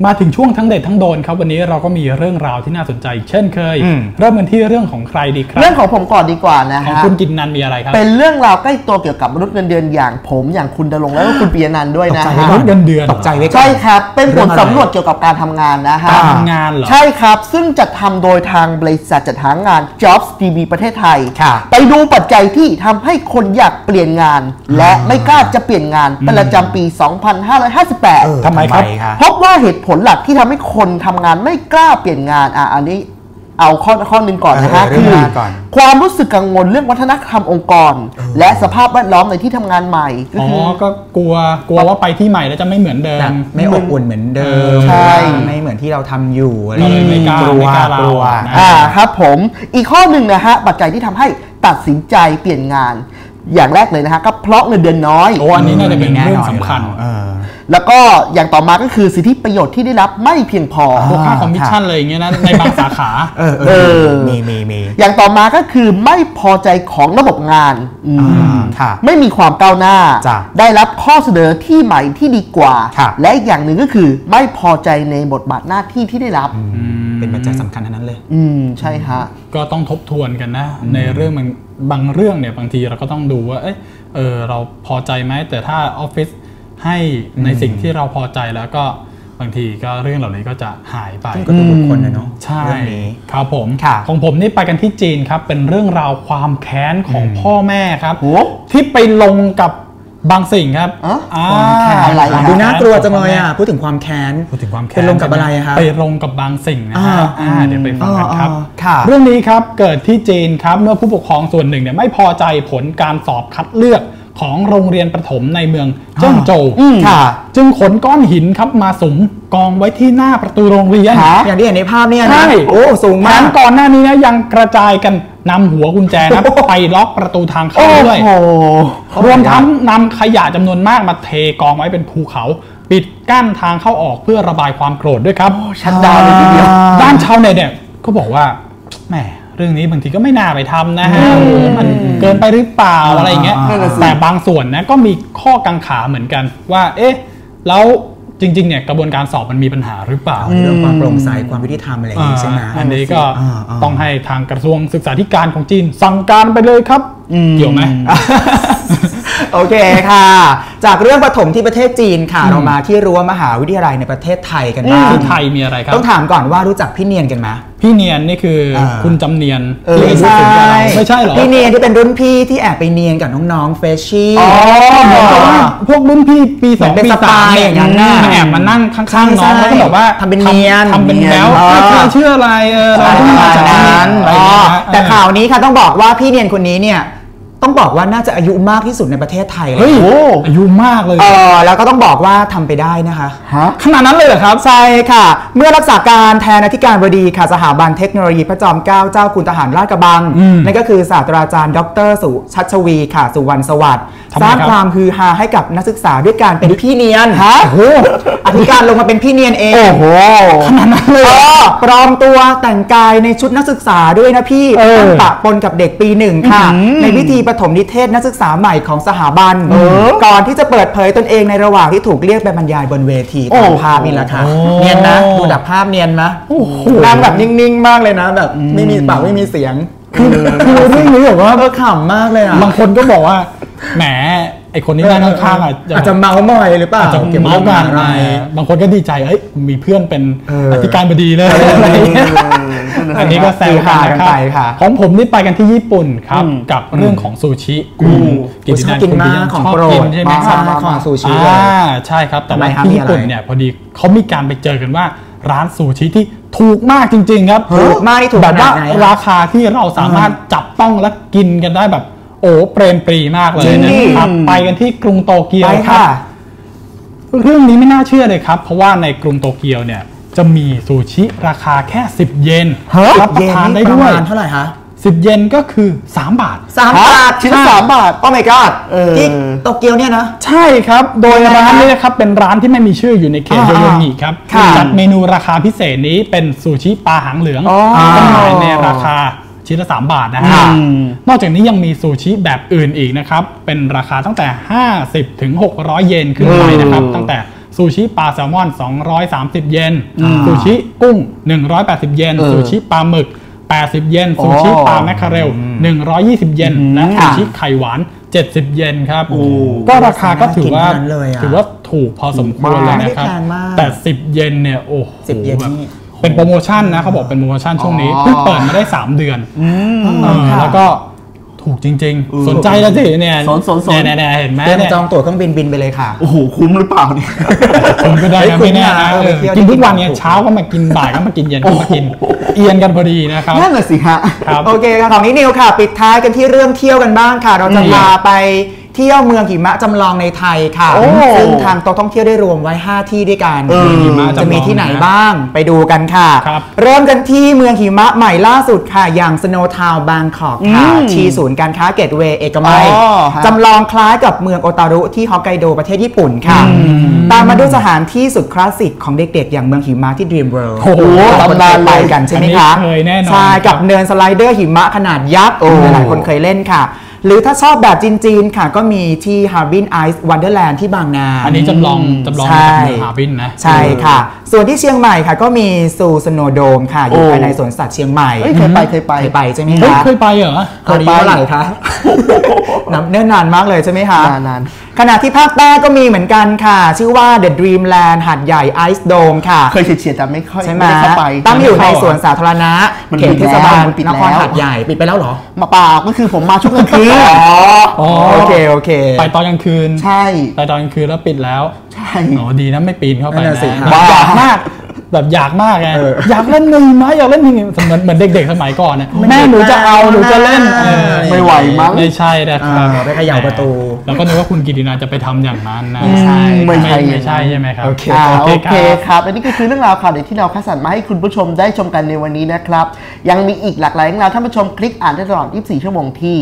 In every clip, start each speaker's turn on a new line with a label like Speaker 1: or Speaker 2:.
Speaker 1: มาถึงช่วงทั้งเด็ดทั้งโดนครับวันนี้เราก็มีเรื่องราวที่น่าสนใจเช่นเคยเริ่มกันที่เรื่องของใครดีครับ
Speaker 2: เรื่องของผมก่อนดีกว่านะฮะ
Speaker 1: ของคุณกินนันมีอะไรครับ
Speaker 2: เป็นเรื่องราวใกล้ตัวเกี่ยวกับมนุษย์เงินเดือนอย่างผมอย่างคุณดลงแล้วก็คุณปียนันท์ด้วยนะ
Speaker 1: มนุษย์เงินเดือน
Speaker 3: ตกใจไว้ก่อน
Speaker 2: ใช่ครับเป็นผลสำรวจเกี่ยวกับการทำงานนะฮะ
Speaker 1: การทำงานเหรอ
Speaker 2: ใช่ครับซึ่งจัดทำโดยทางบริษัทจัดหางาน Jobs DB ประเทศไทยไปดูปัจจัยที่ทำให้คนอยากเปลี่ยนงานและไม่กล้าจะเปลี่ยนงานประจำปี 2558
Speaker 1: ทำไมครับ
Speaker 2: พบว่าเหตุผลหลักที่ทำให้คนทำงานไม่กล้าเปลี่ยนงานอันนี้เอาข้อหนึ่งก่อนนะฮะคือความรู้สึกกังวลเรื่องวัฒนธรรมองค์กรและสภาพแวดล้อมในที่ทำงานใหม่
Speaker 1: ก็กลัวว่าไปที่ใหม่แล้วจะไม่เหมือนเดิม
Speaker 3: ไม่อบอุ่นเหมือนเดิม
Speaker 2: ใช่
Speaker 3: ไม่เหมือนที่เราทำอยู่อะไร
Speaker 1: ไม่กลัว
Speaker 2: ครับผมอีกข้อหนึ่งนะฮะปัจจัยที่ทำให้ตัดสินใจเปลี่ยนงานอย่างแรกเลยนะฮะก็เพราะเงินเดือนน้อย
Speaker 1: อันนี้น่าจะเป็นเรื่องสำคัญ
Speaker 2: แล้วก็อย่างต่อมาก็คือสิทธิประโยชน์ที่ได้รับไม่เพียงพอ
Speaker 1: พวกค่าคอมมิชชั่นเลยอย่างเงี้ยนะในบางสาขา
Speaker 3: มี
Speaker 2: อย่างต่อมาก็คือไม่พอใจของระบบงานไม่มีความก้าวหน้าได้รับข้อเสนอที่ใหม่ที่ดีกว่าและอีกอย่างหนึ่งก็คือไม่พอใจในบทบาทหน้าที่ที่ได้รับ
Speaker 3: เป็นปัจจัยสำคัญทั้งนั้นเลย
Speaker 2: ใช่ฮะ
Speaker 1: ก็ต้องทบทวนกันนะในเรื่องมันบางเรื่องเนี่ยบางทีเราก็ต้องดูว่าเราพอใจไหมแต่ถ้าออฟฟิศให้ในสิ่งที่เราพอใจแล้วก็บางทีก็เรื่องเหล่านี้ก็จะหายไป
Speaker 3: ก็ดูบุคคลนะเนาะ
Speaker 1: ใช่ครับผมของผมนี่ไปกันที่จีนครับเป็นเรื่องราวความแค้นของพ่อแม่ครับที่ไปลงกับบางสิ่งครับ
Speaker 3: อะไรดูน่ากลัวจังเลยพูดถึงความแค้นไปลงกับอะไรครับ
Speaker 1: ไปลงกับบางสิ่งนะฮะเดี๋ยวไปฟังกันครับเรื่องนี้ครับเกิดที่จีนครับเมื่อผู้ปกครองส่วนหนึ่งเนี่ยไม่พอใจผลการสอบคัดเลือกของโรงเรียนประถมในเมืองเจิ้งโจวจึงขนก้อนหินครับมาสุมกองไว้ที่หน้าประตูโรงเรียน
Speaker 3: อย่างที่เห็นในภาพเนี่ยนะโอ้สูงมาก
Speaker 1: ก่อนหน้านี้นะยังกระจายกันนำหัวกุญแจนะไปล็อกประตูทางเข้าด้วยรวมทั้งนำขยะจำนวนมากมาเทกองไว้เป็นภูเขาปิดกั้นทางเข้าออกเพื่อระบายความโกรธด้วยครับ
Speaker 2: ชัดดาวเลยทีเดียว
Speaker 1: ด้านชาวเน็ตเนี่ยก็บอกว่าแหมเรื่องนี้บางทีก็ไม่น่าไปทำนะฮะมันเกินไปหรือเปล่าอะไรเงี้ยแต่บางส่วนนะก็มีข้อกังขาเหมือนกันว่าแล้วจริงๆเนี่ยกระบวนการสอบมันมีปัญหาหรือเปล่า
Speaker 3: เรื่องความโปร่งใสความยุติธรรมอะไรอย่างนี้ใช่ไหม
Speaker 1: อันนี้ก็ต้องให้ทางกระทรวงศึกษาธิการของจีนสั่งการไปเลยครับเกี่ยวไหม
Speaker 3: โอเคค่ะจากเรื่องประถมที่ประเทศจีนค่ะเรามาที่รั้วมหาวิทยาลัยในประเทศไทยกันบ้าง
Speaker 1: ที่ไทยมีอะไรครับ
Speaker 3: ต้องถามก่อนว่ารู้จักพี่เนียนกันไหม
Speaker 1: พี่เนียนนี่คือคุณจำเนียน
Speaker 3: ไม่ใช่
Speaker 1: ไม่ใช่หรอ
Speaker 3: พี่เนียนที่เป็นรุ่นพี่ที่แอบไปเนียนกับน้องๆเฟชชี่
Speaker 1: เหมือนกับว่าพวกรุ่นพี่ปี2ปี3อย่างนั้นน่ะแอบมานั่งข้างๆน้องแล้วก็บอกว่า
Speaker 3: ทำเป็นเนียน
Speaker 1: ทำเป็นแล้วเชื่ออะไร
Speaker 3: เราต้องมาจากนั้นแต่ข่าวนี้ค่ะต้องบอกว่าพี่เนียนคนนี้เนี่ยต้องบอกว่าน่าจะอายุมากที่สุดในประเทศไทยเลย
Speaker 1: อายุมากเลย
Speaker 3: แล้วก็ต้องบอกว่าทำไปได้นะคะ
Speaker 1: ขนาดนั้นเลยเหรอครับ
Speaker 3: ใช่ค่ะเมื่อรักษาการแทนอธิการบดีค่ะสถาบันเทคโนโลยีพระจอมเกล้าเจ้าคุณทหารราชกระบังนั่นก็คือศาสตราจารย์ดร.สุชัชวีค่ะสุวรรณสวัสดิ์สร้างความฮือฮาให้กับนักศึกษาด้วยการเป็นพี่เนียนอธิการลงมาเป็นพี่เนียนเอง
Speaker 1: ขนาดนั้นเลย
Speaker 3: ปลอมตัวแต่งกายในชุดนักศึกษาด้วยนะพี่ปะปนกับเด็กปี1ค่ะในพิธีปฐมนิเทศนักศึกษาใหม่ของสถาบันก่อนที่จะเปิดเผยตนเองในระหว่างที่ถูกเรียกไปบรรยายบนเวทีตามภาพนี่แหละค่ะเนียนนะดูจากภาพเนียนนะนั่งแบบนิ่งๆมากเลยนะแบบไม่มีปากไม่มีเสียง
Speaker 1: คือเรื่องนี้แบบว่า
Speaker 3: ขำมากเลยอ่ะ
Speaker 1: บางคนก็บอกว่าแหมไอคนนี้นั่งข้างๆ
Speaker 3: อาจจะเมาหน่อยหรือเปล่า
Speaker 1: จะเมากันอะไรบางคนก็ดีใจมีเพื่อนเป็นอธิการบดีเลยอันนี้ก็แซวกันไปค่ะของผมนี่ไปกันที่ญี่ปุ่นครับกับเรื่องของซูชิ
Speaker 3: กินชอบกินมากของโปรด
Speaker 1: ใช่ไหมครับ
Speaker 3: ของซูชิ
Speaker 1: ใช่ครับแต่ว่าที่ญี่ปุ่นเนี่ยพอดีเขามีการไปเจอกันว่าร้านซูชิที่ถูกมากจริงๆครับ
Speaker 3: ถูกมากที่ถูก
Speaker 1: แบบว่าราคาที่เราสามารถจับต้องและกินกันได้แบบเปรมปรีมากเลยนะครับไปกันที่กรุงโตเกียวครับเรื่องนี้ไม่น่าเชื่อเลยครับเพราะว่าในกรุงโตเกียวเนี่ยจะมีซูชิราคาแค่10 เยนรับประทานได้ด้วย
Speaker 3: เท่าไหร่คะ
Speaker 1: 10 เยนก็คือ3 บาท
Speaker 3: ชิ้นละ3 บาทโอ้ my god ที่โตเกียวเนี่ยนะ
Speaker 1: ใช่ครับโดยร้านนี้นะครับเป็นร้านที่ไม่มีชื่ออยู่ในเขตโยโยงิครับจัดเมนูราคาพิเศษนี้เป็นซูชิปลาหางเหลืองจำหน่ายในราคาชิ้นละ3 บาทนะฮะนอกจากนี้ยังมีซูชิแบบอื่นอีกนะครับเป็นราคาตั้งแต่50 ถึง 600 เยนขึ้นไปนะครับตั้งแต่ซูชิปลาแซลมอน230 เยนซูชิกุ้ง180 เยนซูชิปลาหมึก80 เยนซูชิปลาแมคคาเรล120 เยนและซูชิไข่หวาน70 เยนครับก็ราคาก็ถือว่าถูกพอสมควรเลยนะครับแต่10 เยนเนี่ยโอ้โหเป็นโปรโมชั่นนะเขาบอกเป็นโปรโมชั่นช่วงนี้เพิ่งเปิดมาได้3 เดือนแล้วก็ถูกจริงๆสนใจแล้วสิเนี่ยเนี่ยเห็นไหมเนี่ย
Speaker 3: จองตั๋วเครื่องบินไปเลยค่ะ
Speaker 2: โอ้โหคุ้มหรือเปล่าเนี่ย
Speaker 1: ผมก็ได้นะไม่แน่นะกินทุกวันเนี่ยเช้าก็มากินบ่ายก็มากินเย็นก็มากินเอียนกันพอดีนะครับ
Speaker 2: นั่นแหละสิฮะ
Speaker 3: โอเคค่ะของนิวค่ะปิดท้ายกันที่เรื่องเที่ยวกันบ้างค่ะเราจะพาไปเที่ยวเมืองหิมะจำลองในไทยค่ะซึ่งทางโต๊ะท่องเที่ยวได้รวมไว้ 5 ที่ด้วยกันจะมีที่ไหนบ้างไปดูกันค่ะเริ่มกันที่เมืองหิมะใหม่ล่าสุดค่ะอย่าง Snow Town Bangkok ค่ะที่ศูนย์การค้าเกตเวย์เอกมัยจำลองคล้ายกับเมืองโอตารุที่ฮอกไกโดประเทศญี่ปุ่นค่ะตามมาด้วยสถานที่สุดคลาสสิกของเด็กๆอย่างเมืองหิมะที่ Dream World
Speaker 2: โอ้โหตำนาน
Speaker 3: ไปกันใช่ไหมคะใช่กับเนินสไลเดอร์หิมะขนาดยักษ์หลายคนเคยเล่นค่ะหรือถ้าชอบแบบจีนๆค่ะก็มีที่ Harbin Ice Wonderland ที่บางนา
Speaker 1: อันนี้จำลองจากเมือง Harbin นะ
Speaker 3: ใช่ค่ะส่วนที่เชียงใหม่ค่ะก็มีซูสโนโดมค่ะอยู่ภายในสวนสัตว์เชียงใหม่
Speaker 2: เคยไป
Speaker 3: ใช่ไหมคะ
Speaker 1: เคยไปเหรอ
Speaker 3: เคยไปเมื่อไหร่คะเนิ่นนานมากเลยใช่ไหมคะ
Speaker 2: นาน
Speaker 3: ขณะที่ภาคใต้ก็มีเหมือนกันค่ะชื่อว่า The Dreamland หาดใหญ่ Ice Dome ค่ะ
Speaker 2: เคยเฉียดแต่ไม่ค่อย
Speaker 3: ได้เข้าไปตั้งอยู่ในสวนสาธารณะเขตเทศบาลนครหาดใหญ่ปิดไปแล้วเหรอ
Speaker 2: มาเปล่าก็คือผมมาช่วงกลางคืน
Speaker 3: โอเค
Speaker 1: ไปตอนกลางคืน
Speaker 2: ใช่
Speaker 1: ไปตอนกลางคืนแล้วปิดแล้ว
Speaker 2: ใช่
Speaker 1: ดีนะไม่ปีนเข้าไปนะ
Speaker 3: อยากมาก
Speaker 1: แบบอยากมากไงอยากเล่นมือไหมอยากเล่นมือเหมือนเด็กๆสมัยก่อนนะแม่หนูจะเอาหนูจะเล่น
Speaker 2: ไม่ไหวมั้ง
Speaker 1: ไม่ใช่นะครับ
Speaker 3: ไปเขย่าประตู
Speaker 1: แล้วก็นึกว่าคุณกิตินาจะไปทำอย่างนั้นนะ
Speaker 2: ไม่ใช่
Speaker 1: ใช่ไหมครับ
Speaker 2: โอเคครับอันนี้ก็คือเรื่องราวข่าวเด็ดที่เราคัดสรรมาให้คุณผู้ชมได้ชมกันในวันนี้นะครับยังมีอีกหลากหลายเรื่องราวท่านผู้ชมคลิกอ่านได้ตลอด24 ชั่วโมงที่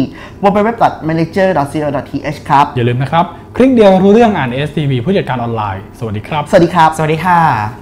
Speaker 2: www.manager.co.th ครับ
Speaker 1: อย่าลืมนะครับคลิกเดียวรู้เรื่องอ่าน STV ผู้จัดการออนไลน์สวัสดีครับ
Speaker 3: สวัสดีค่ะ